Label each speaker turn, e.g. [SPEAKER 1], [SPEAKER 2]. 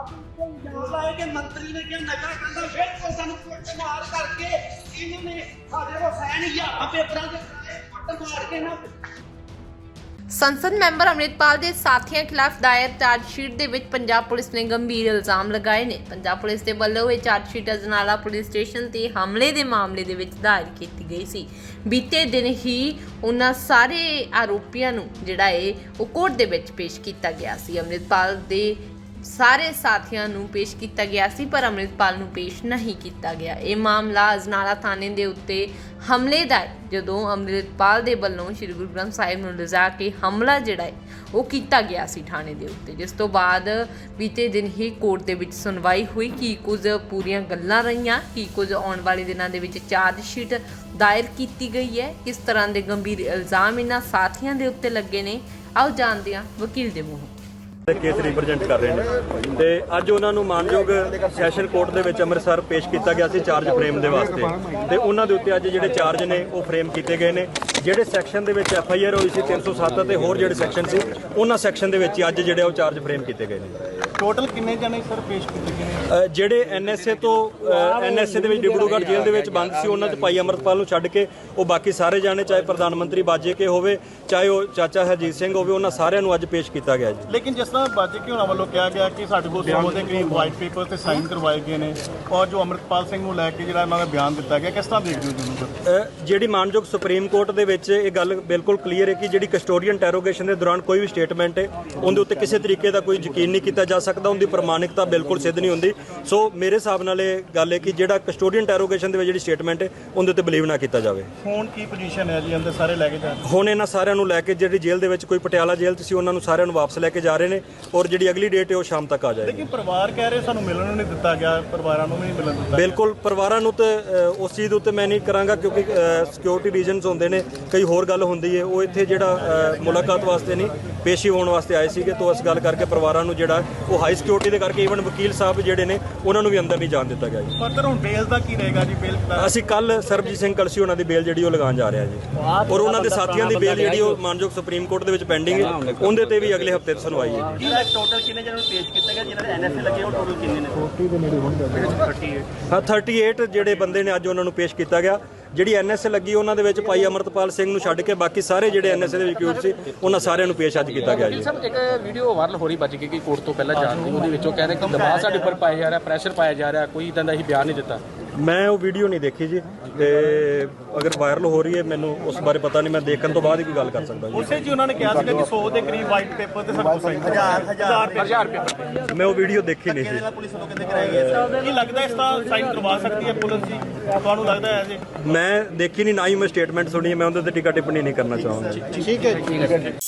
[SPEAKER 1] कि मंत्री ने क्या नशा करना फिर तो सानू कुटमार करके इन्होंने साडे को फैन हज़ार पेपरां दे कुट मार के ना।
[SPEAKER 2] ਸੰਸਦ ਮੈਂਬਰ ਅੰਮ੍ਰਿਤਪਾਲ ਦੇ ਸਾਥੀਆਂ ਖਿਲਾਫ ਦਾਇਰ ਚਾਰਜਸ਼ੀਟ ਦੇ ਵਿੱਚ ਪੰਜਾਬ ਪੁਲਿਸ ਨੇ ਗੰਭੀਰ ਇਲਜ਼ਾਮ ਲਗਾਏ ਨੇ। ਪੰਜਾਬ ਪੁਲਿਸ ਦੇ ਵੱਲੋਂ ਇਹ ਚਾਰਜਸ਼ੀਟ ਅਜਨਾਲਾ ਪੁਲਿਸ ਸਟੇਸ਼ਨ ਤੇ ਹਮਲੇ ਦੇ ਮਾਮਲੇ ਦੇ ਵਿੱਚ ਦਾਇਰ ਕੀਤੀ ਗਈ ਸੀ। ਬੀਤੇ ਦਿਨ ਹੀ ਉਹਨਾਂ ਸਾਰੇ ਆਰੋਪੀਆਂ ਨੂੰ ਜਿਹੜਾ ਉਹ ਕੋਰਟ ਦੇ ਵਿੱਚ ਪੇਸ਼ ਕੀਤਾ ਗਿਆ ਸੀ। ਅੰਮ੍ਰਿਤਪਾਲ ਦੇ ਸਾਰੇ ਸਾਥੀਆਂ ਨੂੰ ਪੇਸ਼ ਕੀਤਾ ਗਿਆ ਸੀ ਪਰ ਅੰਮ੍ਰਿਤਪਾਲ ਨੂੰ ਪੇਸ਼ ਨਹੀਂ ਕੀਤਾ ਗਿਆ। ਇਹ ਮਾਮਲਾ ਅਜਨਾਲਾ ਥਾਣੇ ਦੇ ਉੱਤੇ ਹਮਲੇ ਦਾ ਹੈ, ਜਦੋਂ ਅੰਮ੍ਰਿਤਪਾਲ ਦੇ ਵੱਲੋਂ ਸ਼੍ਰੀ ਗੁਰੂ ਗ੍ਰੰਥ ਸਾਹਿਬ ਨੂੰ ਲਿਜਾ ਕੇ ਹਮਲਾ ਜਿਹੜਾ ਉਹ ਕੀਤਾ ਗਿਆ ਸੀ ਥਾਣੇ ਦੇ ਉੱਤੇ, ਜਿਸ ਤੋਂ ਬਾਅਦ ਬੀਤੇ ਦਿਨ ਹੀ ਕੋਰਟ ਦੇ ਵਿੱਚ ਸੁਣਵਾਈ ਹੋਈ। ਕੀ ਕੁਝ ਪੂਰੀਆਂ ਗੱਲਾਂ ਰਹੀਆਂ, ਕੀ ਕੁਝ ਆਉਣ ਵਾਲੇ ਦਿਨਾਂ ਦੇ ਵਿੱਚ ਚਾਰਜ ਸ਼ੀਟ ਦਾਇਰ ਕੀਤੀ ਗਈ ਹੈ, ਕਿਸ ਤਰ੍ਹਾਂ ਦੇ ਗੰਭੀਰ ਇਲਜ਼ਾਮ ਇਹਨਾਂ ਸਾਥੀਆਂ ਦੇ ਉੱਤੇ ਲੱਗੇ ਨੇ, ਆਓ ਜਾਣਦੇ ਹਾਂ ਵਕੀਲ ਦੇ ਮੂੰਹੋਂ।
[SPEAKER 3] ਕੇਸ ਰਿਪਰੈਜ਼ੈਂਟ ਕਰ ਰਹੇ ਨੇ ਤੇ ਅੱਜ ਉਹਨਾਂ ਨੂੰ ਮਾਨਯੋਗ ਸੈਸ਼ਨ ਕੋਰਟ ਦੇ ਵਿੱਚ ਅੰਮ੍ਰਿਤਸਰ ਪੇਸ਼ ਕੀਤਾ ਗਿਆ ਸੀ ਚਾਰਜ ਫਰੇਮ ਦੇ ਵਾਸਤੇ ਤੇ ਉਹਨਾਂ ਦੇ ਉੱਤੇ ਅੱਜ ਜਿਹੜੇ ਚਾਰਜ ਨੇ ਉਹ ਫਰੇਮ ਕੀਤੇ ਗਏ ਨੇ। ਜਿਹੜੇ ਸੈਕਸ਼ਨ ਦੇ ਵਿੱਚ FIR ਹੋਈ ਸੀ 307 ਤੇ ਹੋਰ ਜਿਹੜੇ ਸੈਕਸ਼ਨ ਸੀ ਉਹਨਾਂ ਸੈਕਸ਼ਨ ਦੇ ਵਿੱਚ ਅੱਜ ਜਿਹੜੇ ਉਹ ਚਾਰਜ ਫਰੇਮ ਕੀਤੇ ਗਏ ਨੇ।
[SPEAKER 4] ਟੋਟਲ ਕਿੰਨੇ ਜਣੇ ਸਰ ਪੇਸ਼ ਕੀਤੇ ਗਏ ਨੇ?
[SPEAKER 3] ਜਿਹੜੇ NSA ਤੋਂ NSA ਦੇ ਵਿੱਚ ਡਿਬਰੂਗੜ੍ਹ ਜੇਲ੍ਹ ਦੇ ਵਿੱਚ ਬੰਦ ਸੀ ਉਹਨਾਂ 'ਚ ਭਾਈ ਅਮਰਤਪਾਲ ਨੂੰ ਛੱਡ ਕੇ ਉਹ ਬਾਕੀ ਸਾਰੇ ਜਾਣੇ, ਚਾਹੇ ਪ੍ਰਧਾਨ ਮੰਤਰੀ ਬਾਜੇ ਕੇ ਹੋਵੇ, ਚਾਹੇ ਉਹ ਚਾਚਾ ਹਰਜੀਤ ਸਿੰਘ ਹੋਵੇ, ਉਹਨਾਂ ਸਾਰਿਆਂ ਨੂੰ ਅੱਜ ਪੇਸ਼ ਕੀਤਾ ਗਿਆ ਜੀ।
[SPEAKER 4] ਲੇਕਿਨ ਜਿਸ ਤਰ੍ਹਾਂ ਬਾਜੇ ਕੇ ਹੋਣਾ ਵੱਲੋਂ ਕਿਹਾ ਗਿਆ ਕਿ ਸਾਡੇ ਕੋਲ 100 ਦੇ ਕਰੀਬ ਵਾਈਟ ਪੇਪਰ ਤੇ ਸਾਈਨ ਕਰਵਾਏ ਗਏ ਨੇ ਔਰ ਜੋ ਅਮਰਤਪਾਲ ਸਿੰਘ ਨੂੰ ਲੈ ਕੇ ਜਿਹੜਾ ਉਹਨਾਂ ਦਾ ਬਿਆਨ ਦਿੱਤਾ ਗਿਆ, ਕਿਸ ਤਰ੍ਹਾਂ ਦੇਖਦੇ ਹੋ ਤੁਹਾਨੂੰ?
[SPEAKER 3] ਜਿਹੜੀ ਮਾਨਯੋਗ ਸੁਪਰੀਮ ਕੋਰਟ ਦੇ ਵਿੱਚ ਇਹ ਗੱਲ ਬਿਲਕੁਲ ਕਲੀਅਰ ਹੈ ਕਿ ਜਿਹੜੀ ਕਸਟੋਡੀਅਨ ਇੰਟਰੋਗੇਸ਼ਨ ਦੇ ਦੌਰਾਨ ਕੋਈ ਵੀ ਸਟੇਟਮੈਂਟ ਹੈ ਉਹਦੇ ਉੱਤੇ ਕਿਸੇ ਤਰੀਕੇ ਦਾ ਕੋਈ ਯਕੀਨ ਨਹੀਂ ਕੀਤਾ ਜਾ ਸਕਦਾ, ਉਹਦੀ ਪ੍ਰਮਾਣਿਕਤਾ ਬਿਲਕੁਲ ਸਿੱਧ ਨਹੀਂ ਹੁੰਦੀ। ਸੋ ਮੇਰੇ ਹਿਸਾਬ ਨਾਲ ਇਹ ਗੱਲ ਹੈ ਕਿ ਜਿਹੜਾ ਕਸਟੋਡੀਅਨ ਇੰਟਰੋਗੇਸ਼ਨ ਦੇ ਵਿੱਚ ਜਿਹੜੀ ਸਟੇਟਮੈਂਟ ਹੈ ਉਹਦੇ ਉੱਤੇ ਬਿਲੀਵ ਨਾ ਕੀਤਾ ਜਾਵੇ।
[SPEAKER 4] ਹੁਣ ਕੀ ਪੋਜੀਸ਼ਨ ਹੈ ਜੀ? ਅੰਦਰ ਸਾਰੇ ਲੈ ਕੇ ਜਾ ਰਹੇ?
[SPEAKER 3] ਹੁਣ ਇਹਨਾਂ ਸਾਰਿਆਂ ਨੂੰ ਲੈ ਕੇ ਜਿਹੜੀ ਜੇਲ੍ਹ ਦੇ ਵਿੱਚ ਕੋਈ ਪਟਿਆਲਾ ਜੇਲ੍ਹ 'ਚ ਸੀ ਉਹਨਾਂ ਨੂੰ ਸਾਰਿਆਂ ਨੂੰ ਵਾਪਸ ਲੈ ਕੇ ਜਾ ਰਹੇ ਨੇ ਔਰ ਜਿਹੜੀ ਅਗਲੀ ਡੇਟ ਹੈ ਉਹ ਸ਼ਾਮ ਤੱਕ ਆ ਜਾਏਗੀ।
[SPEAKER 4] ਲੇਕਿਨ ਪਰਿਵਾਰ ਕਹਿ ਰਹੇ ਸਾਨੂੰ ਮਿਲਣ ਨੂੰ ਨਹੀਂ ਦਿੱਤਾ ਗਿਆ, ਪਰਿਵਾਰਾਂ ਨੂੰ ਵੀ ਨਹੀਂ ਮਿਲਣ ਦਿੱਤਾ।
[SPEAKER 3] ਬਿਲਕੁਲ ਪਰਿਵਾਰਾਂ ਨੂੰ ਤੇ ਉਸ ਚੀਜ਼ ਦੇ ਉੱਤੇ ਮੈਂ ਨਹੀਂ ਕਰਾਂਗਾ ਕਿਉਂਕਿ ਸਿਕਿਉਰਿਟੀ ਰੀਜ਼ਨਸ ਹੁੰਦੇ ਨੇ, ਕਈ ਹੋਰ ਗੱਲ ਹੁੰਦੀ ਹੈ। ਉਹ ਇੱਥੇ ਜਿਹੜਾ ਮੁਲਾਕਾਤ ਵਾਸਤੇ ਨਹੀਂ ਪੇਸ਼ੀ ਹੋਣ ਵਾਸਤੇ ਆਏ ਸੀਗੇ, ਤੋਂ ਇਸ ਗੱਲ ਕਰਕੇ ਪਰਿਵਾਰਾਂ ਨੂੰ ਜਿਹੜਾ ਉਹ ਹਾਈ ਸਿਕਿਉਰਿਟੀ ਦੇ ਕਰਕੇ ਈਵਨ ਵਕੀਲ ਸਾਹਿਬ ਜਿਹੜੇ ਨੇ ਉਹਨਾਂ ਨੂੰ ਵੀ ਅੰਦਰ ਨਹੀਂ ਜਾਣ ਦਿੱਤਾ ਗਿਆ ਜੀ।
[SPEAKER 4] ਪਰ ਹੁਣ ਬੇਲ ਦਾ ਕੀ ਰਹੇਗਾ ਜੀ? ਬੇਲ
[SPEAKER 3] ਅਸੀਂ ਕੱਲ ਸਰਬਜੀਤ ਸਿੰਘ ਕਲਸੀ ਉਹਨਾਂ ਦੀ ਬੇਲ ਜਿਹੜੀ ਉਹ ਲਗਾਉਣ ਜਾ ਰਹੇ ਹਾਂ ਜੀ ਔਰ ਉਹਨਾਂ ਦੇ ਸਾਥੀਆਂ ਦੀ ਬੇਲ ਜਿਹੜੀ ਉਹ ਮਾਨਯੋਗ ਸੁਪਰੀਮ ਕੋਰਟ ਦੇ ਵਿੱਚ ਪੈਂਡਿੰਗ ਹੈ, ਉਹਦੇ ਤੇ ਵੀ ਅਗਲੇ ਹਫਤੇ ਸੁਣਵਾਈ ਹੈ।
[SPEAKER 1] ਟੋਟਲ ਕਿੰਨੇ ਜਣਾਂ ਨੂੰ ਪੇਸ਼ ਕੀਤਾ ਗਿਆ? ਜਿਹਨਾਂ ਦੇ NSA ਲੱਗੇ ਉਹ ਟੋਟਲ ਕਿੰਨੇ ਨੇ?
[SPEAKER 4] 40 ਦੇ ਨੇੜੇ ਹੋਣਗੇ।
[SPEAKER 3] 38 ਜਿਹੜੇ ਬੰਦੇ ਨੇ ਅੱਜ ਉਹਨਾਂ ਨੂੰ ਪੇਸ਼ ਕੀਤਾ ਗਿਆ। ਜਿਹੜੀ NSA ਲੱਗੀ ਉਹਨਾਂ ਦੇ ਵਿੱਚ ਭਾਈ ਅਮਰਤਪਾਲ ਸਿੰਘ ਨੂੰ ਛੱਡ ਕੇ ਬਾਕੀ ਸਾਰੇ ਜਿਹੜੇ NSA ਦੇ ਵਿਕਿਊਟ ਸੀ ਉਹਨਾਂ ਸਾਰਿਆਂ ਨੂੰ ਪੇਸ਼ ਅੱਜ ਕੀਤਾ ਗਿਆ ਜੀ।
[SPEAKER 5] ਸਰ ਇੱਕ ਵੀਡੀਓ ਵਾਇਰਲ ਹੋ ਰਹੀ ਬੱਜ ਕੇ ਕਿ ਕੋਰਟ ਤੋਂ ਪਹਿਲਾਂ ਜਾਣ ਦੀ, ਉਹਦੇ ਵਿੱਚੋਂ ਕਹਿੰਦੇ ਕਿ ਦਬਾਅ ਸਾਡੇ ਉੱਪਰ ਪਾਇਆ ਜਾ ਰਿਹਾ, ਪ੍ਰੈਸ਼ਰ ਪਾਇਆ ਜਾ ਰਿਹਾ, ਕੋਈ ਇਦਾਂ ਦਾ ਹੀ ਬਿਆਨ ਨਹੀਂ ਦਿੱਤਾ।
[SPEAKER 3] ਮੈਂ ਉਹ ਵੀਡੀਓ ਨਹੀਂ ਦੇਖੀ ਜੀ ਤੇ ਅਗਰ ਵਾਇਰਲ ਹੋ ਰਹੀ ਹੈ ਮੈਨੂੰ ਉਸ ਬਾਰੇ ਪਤਾ ਨਹੀਂ, ਮੈਂ ਦੇਖਣ ਤੋਂ ਬਾਅਦ ਹੀ ਕੋਈ ਗੱਲ ਕਰ ਸਕਦਾ ਜੀ।
[SPEAKER 4] ਉਸੇ ਜੀ ਉਹਨਾਂ ਨੇ ਕਿਹਾ ਸੀਗਾ ਕਿ 100 ਦੇ ਕਰੀਬ ਵਾਈਟ ਪੇਪਰ ਤੇ ਸਾਡੇ ਕੋਲ ਸਾਈਨ 1000 ਪੇਪਰ।
[SPEAKER 3] ਮੈਂ ਉਹ ਵੀਡੀਓ ਦੇਖੀ ਨਹੀਂ ਜੀ।
[SPEAKER 4] ਪੁਲਿਸ ਵੱਲੋਂ ਕਹਿੰਦੇ ਕਰਾਏ ਗਏ। ਕੀ ਲੱਗਦਾ ਇਸ ਤਰ੍ਹਾਂ ਸਾਈਨ ਕਰਵਾ ਸਕਦੀ ਹੈ ਪੁਲਿਸ ਜੀ? ਤੁਹਾਨੂੰ ਲੱਗਦਾ ਹੈ ਜੀ?
[SPEAKER 3] ਮੈਂ ਦੇਖੀ ਨਹੀਂ, ਨਾ ਹੀ ਮੈਂ ਸਟੇਟਮੈਂਟ ਸੁਣੀ ਹੈ, ਮੈਂ ਉਹਦੇ ਤੇ ਟਿੱਪਣੀ ਨਹੀਂ ਕਰਨਾ ਚਾਹਾਂਗਾ।
[SPEAKER 4] ਠੀਕ ਹੈ ਜੀ।